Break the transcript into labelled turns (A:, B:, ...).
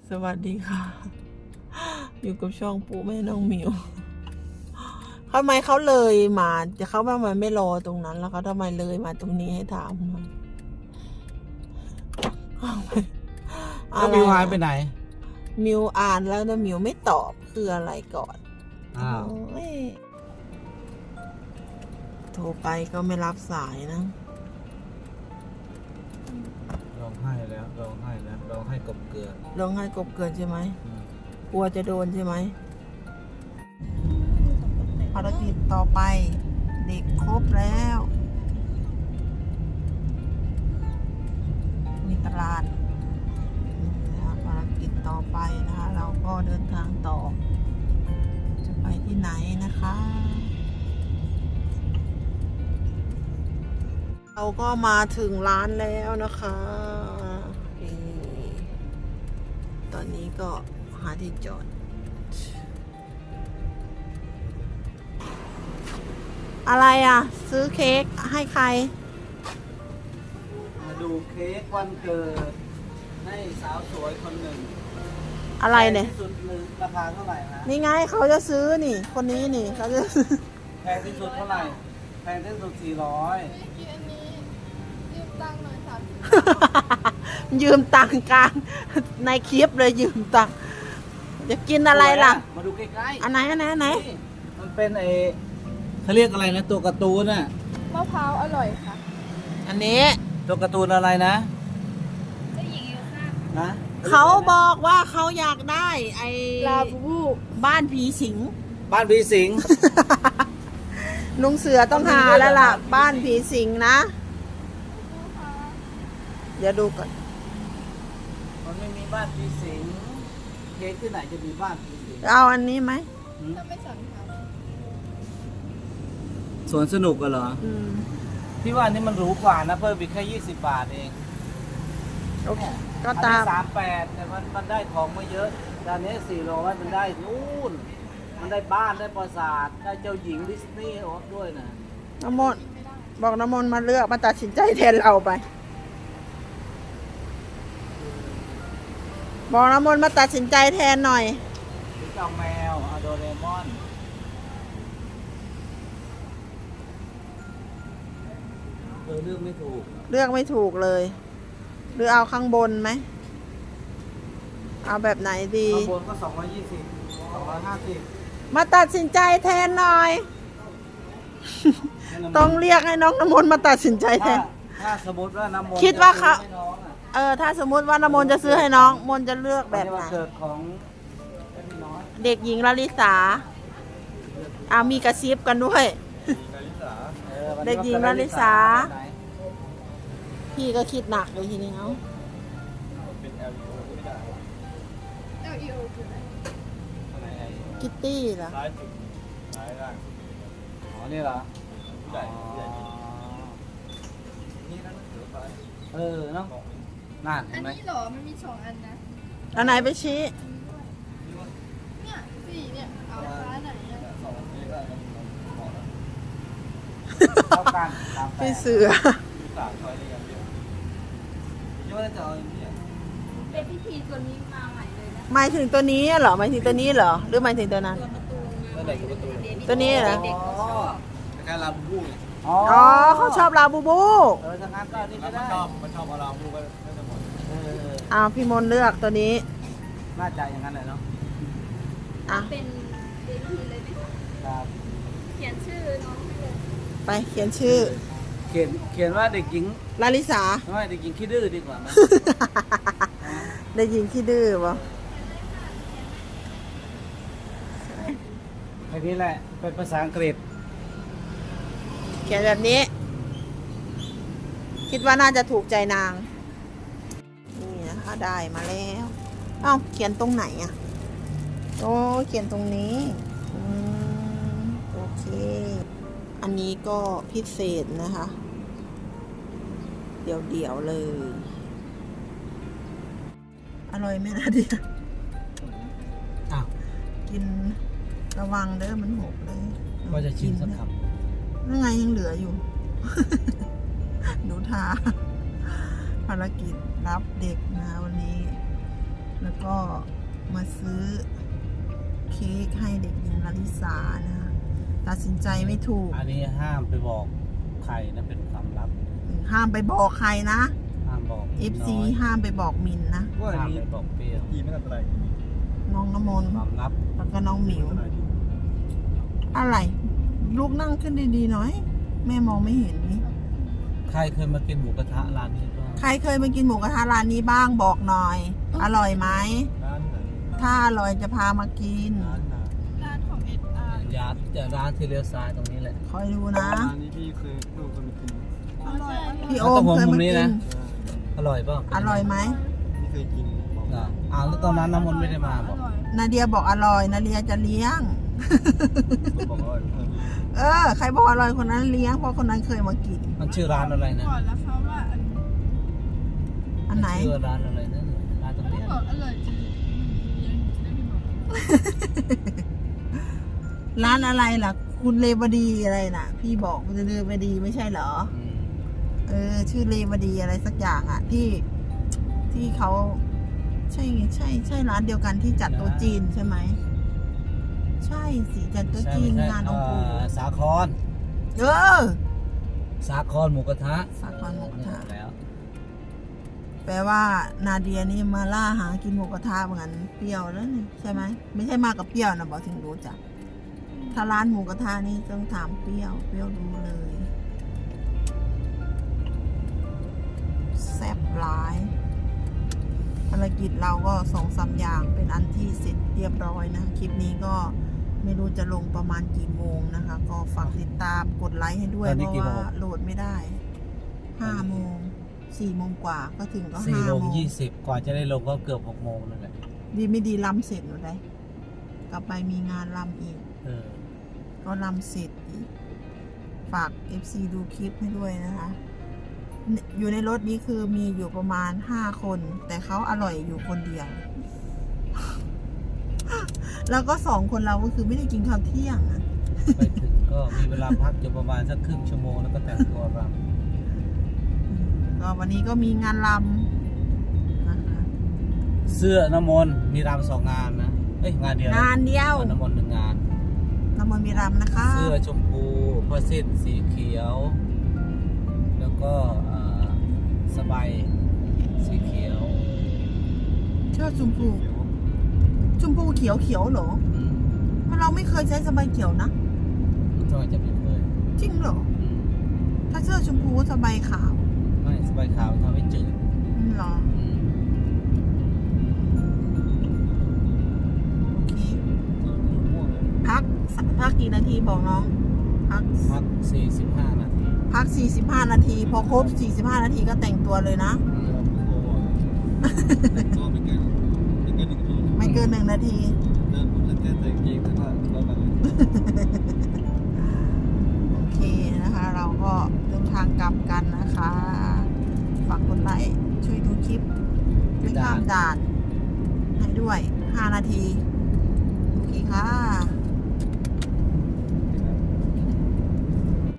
A: สวัสดีค่ะ อยู่กับช่องปู่แม่น้องหมิวทำไมเขาเลยมาจะเขาว่ามันไม่รอตรงนั้น แล้วเขาทำไมเลยมาตรงนี้ให้ถามหน่อย
B: แล้วมิวหายไปไหน
A: มิวอ่านแล้วนะมิวไม่ตอบคืออะไรก่อน
B: อ้าว
A: โอ้ยโทรไปก็ไม่รับสายนะ
B: ร้องไห้แล้วร้องไห้แล้วร้องไห้กบเกลือ
A: ร้องไห้กบเกินใช่ไหมกลัวจะโดนใช่ไหมภารกิจต่อไป เด็กครบแล้ว มีตลาดนะคะภารกิจต่อไปนะคะ เราก็เดินทางต่อ จะไปที่ไหนนะคะ เราก็มาถึงร้านแล้วนะคะนี่ตอนนี้ก็หาที่จอด อะไรอ่ะ ซื้อเค้กให้ใคร
B: มาดูเค้กวันเกิดให้สาวสวยคนหนึ่ง
A: อะไรเนี่ย
B: แพงที่สุดหนึ่งราคาเท่าไหร่นะ
A: นี่ไงเขาจะซื้อนี่ คนนี้นี่เขาจะซื้อ
B: แพงที่สุดเท่าไหร่แพงที่สุด400
C: ยืมตังค์หน่อยค่ะ
A: ยืมตังค์กลางในคลิปเลยยืมตังค์จะกินอะไรล่ะ
B: มาดูใกล้ๆ
A: อันไหนอันไหนอันไหน
B: นี่มันเป็นเขาเรียกอะไรนะตัวการ์ตูนน่ะ
C: มะพร้าวอร่อยค่ะ
A: อันนี้
B: ตัวการ์ตูนอะไรนะ
C: เจ้าหญิงเอลซ่า
B: นะ
A: เขาบอกว่าเขาอยากได้ ไอ้
C: ลาบูบู
A: บ้านผีสิง
B: บ้านผีสิง
A: ลุงเสือต้องหาแล้วล่ะ บ้านผีสิงนะ เดี๋ยวดูก่อน
B: มันไม่มีบ้านผีสิงเค้กที่ไหนจะมีบ้านผีสิง
A: เอาอันนี้ไหม
C: ถ้าไม่สั่งค่ะ
B: สวนสนุกกันเหรอ
A: อืม
B: พี่ว่านี่มันหรูกว่านะเพิ่มอีกแค่20 บาทเอง
A: โอเคก็ตาม
B: 38แต่มันได้ของมาเยอะตอนนี้400มันได้นู่นมันได้บ้านได้ปราสาทได้เจ้าหญิงดิสนีย์ด้วยนะ
A: น้ำมนต์บอกน้ำมนต์มาเลือกมาตัดสินใจแทนเราไป บอกน้ำมนต์มาตัดสินใจแทนหน่อย
B: หรือเจ้าแมวอะโดเรมอนเลือกไม่ถูก
A: เลือกไม่ถูกเลย หรือเอาข้างบนไหม เอาแบบไหนดี
B: ข้างบนก็220 250
A: มาตัดสินใจแทนหน่อย ต้องเรียกให้น้องน้ำมนต์มาตัดสินใจแทน
B: ถ้าสมมติว่าน้ำมนต์
A: คิดว่าเขา
B: จะซื้อให้น้องอะ
A: ถ้าสมมุติว่าน้ำมนต์จะซื้อให้น้องมนต์จะเลือกแบบ
B: วัน
A: ไหน
B: เกิดของพี่น้อย
A: เด็กหญิงลลิสามีกระซิบกันด้วย
B: วัน
A: เด็
B: นี้
A: กหญิง
B: วัน
A: ลลิสา
B: ไหน
A: พี่ก็คิดหนักเลยทีนี้เอา
C: LEO คืออะไร
A: คิตตี้เหรอ
B: อ๋อนี่เหรอเออเนาะนั่น
C: อั
B: เห็
C: น
B: นไหม
C: นี้เหรอ มันมี2อันนะ
A: อันไหนไปชี้
C: เนี่ยสี่เนี่ย เอาฟ้าไหนอะ
B: เท่ากันตามแต่
A: พี่เสือ
C: เป็นพิธีตัวนี้มาใหม่เลยนะ
A: หมายถึงตัวนี้เหรอหมายถึงตัวนี้เหรอหรือหมายถึงตัวนั้น
C: ตัวการ์ตูนมาใหม่เลย
A: ตัวนี้เหรอ
C: เด็กๆเขาชอบ
B: การลาบูบูไง
A: อ๋อเขาชอบลาบูบู
B: ทางงานก็นี่ก็ได้มันชอบลาบูก็จะหมด
A: พี่มนต์เลือกตัวนี้
B: น่าจะอย่างนั้นแหละเนาะ
A: อ่ะ
C: เป็นเด็กทีเลยไหมคะ
B: ครับ
C: เขียนชื่อน้องให้เลย
A: ไปเขียนชื่อ
B: เขียนว่าเด็กหญิง
A: ลาลิสา
B: ไม่เด็กหญิงขี้ดื้อดีกว่าไหม
A: ได้ยินขี้ดื้อปะ
B: ไอ้นี่แหละเป็นภาษาอังกฤษ
A: เขียนแบบนี้ คิดว่าน่าจะถูกใจนาง นี่นะคะได้มาแล้ว เอ้าเขียนตรงไหนอ่ะโอ้เขียนตรงนี้โอเค อันนี้ก็พิเศษนะคะ เดี๋ยวเลย อร่อยไหมนะเดีย
B: อ้าว
A: กินระวังเด้อมันหกเลย
B: ว่าจะชิมสักค
A: นั่นไงยังเหลืออยู่ หนูทาภารกิจรับเด็กนะวันนี้แล้วก็มาซื้อเค้กให้เด็กหญิงลลิสานะคะตัดสินใจไม่ถูก
B: อันนี้ห้ามไปบอกใครนะเป็นความลับ
A: ห้ามไปบอกใครนะ
B: ห้ามบอก
A: FC ห้ามไปบอกมินนะ
D: ว่า
B: ห้าม
D: มี
B: ไปบอกเปรี้ยว
D: อีไม่อันตราย
A: น้องน้ำมนต์
B: ความลับ
A: แล้วก็น้องหมิว
D: อันตรายดี
A: อะไร ลูกนั่งขึ้นดีๆหน่อย แม่มองไม่เห็นนี่
B: ใครเคยมากินหมูกระทะร้านนี้บ้าง
A: ใครเคยมากินหมูกระทะร้านนี้บ้างบอกหน่อย อร่อยไหม
D: ร้านไหน
A: ถ้าอร่อยจะพามากิน
D: ร้านไหน
C: ร้านของSR
B: ยาจะร้านที่เลี้ยวซ้ายตรงนี้แหละ
A: คอยดูนะ
D: ร้านนี้พี่เคยลูกเคยมากิน
C: อร่อย
A: พี่โอมเคยมากิน
B: อร่อยเปล่า
A: อร่อยไหม
D: พี่เคยกินบอก
B: อ่ะแล้วตอนนั้นน้ำมนต์ไม่ได้มาบอก
A: นาเดียบอกอร่อย นาเดียจะเลี้ยง
D: บอกว่าเออ
A: ใครบอกอร่อยคนนั้นเลี้ยง เพราะคนนั้นเคยมากิน
B: มันชื่อร้านอะไรนะ
C: ก่อนแล้วเขาว่าอัน
A: อันไหน
B: ชื่อร้านอะไรนะร้านตรงนี้
C: บอกอร่อยจริงยังจะได้ไม่บอก
A: ร้านอะไรล่ะ คุณเลวดีอะไรน่ะ พี่บอกคุณเลวดีไม่ใช่เหรอ ชื่อเลวดีอะไรสักอย่างอ่ะ ที่เขาใช่ร้านเดียวกันที่จัดโต๊ะจีนใช่ไหม ใช่สิจัดโต๊ะจีนงานองค์ปู่
B: สาคร
A: เออ
B: สาครหมูกระทะ
A: สาครหมูกระทะ
B: แล้ว
A: แปลว่านาเดียนี่มาล่าหากินหมูกระทะเหมือนกันเปรี้ยวแล้วนี่ใช่ไหมไม่ใช่มากับเปรี้ยวนะบอกถึงรู้จักถ้าร้านหมูกระทะนี่ต้องถามเปรี้ยวรู้เลยแซ่บหลายภารกิจเราก็2-3 อย่างเป็นอันที่เสร็จเรียบร้อยนะคลิปนี้ก็ไม่รู้จะลงประมาณกี่โมงนะคะ ก็ฝากติดตามกดไลค์ให้ด้วยเพราะว่าโหลดไม่ได้5 โมง4 โมงกว่าก็ถึงก็
B: 4
A: 5
B: โมง
A: โมง
B: 20กว่าจะได้ลงก็เกือบ6 โมงนั่นแหละ
A: ดีไม่ดีลำเสร็จหนูได้กลับไปมีงานลำอีก ก็ลำเสร็จอีกฝาก FC ดูคลิปให้ด้วยนะคะ อยู่ในรถนี้คือมีอยู่ประมาณ5 คน แต่เขาอร่อยอยู่คนเดียว แล้วก็2 คนเราก็คือไม่ได้กินข้าวเที่ยงอะ
B: ไปถึงก็มีเวลาพักอยู่ประมาณสักครึ่งชั่วโมงแล้วก็แต่งตัวร
A: ก็วันนี้ก็มีงานลำนะคะ
B: ำเสื้อน้ำมนต์มีรำ2 งานนะงานเดียวนะ
A: งานเดียว
B: น้ำมนต์1 งาน
A: น้ำมันมีรำนะคะ
B: เสื้อชมพูผ้าสิ้นสีเขียว แล้วก็สบายสีเขียว
A: เชือกชมพูเขียวเหรอ มันเราไม่เคยใช้สบายเขียวนะ
B: ทำไมจะไม่เคย
A: จริงเหรอ ถ้าเสื้อชมพูสบายขาว
B: ไม่สบายขาวทำให้จืด
A: เหรอ โอเค
D: ม่วงเลย
A: พักกี่นาทีบอกน้อง พัก
B: 45 นาที
A: พัก 45 นาที พอครบ 45 นาทีก็แต่งตัวเลยนะ
D: ก็ไม่เกิน1 ที
A: ไม่เกิน 1 นาที
D: เดินปุ๊บจะเต้นแต่งเกงแต่ว่าเราแบบ
A: โอเคนะคะ เราก็เดินทางกลับกันนะคะ ฝากกดไลค์ช่วยดูคลิปไม่ข้ามด่านให้ด้วย 5 นาที โอเคค่ะ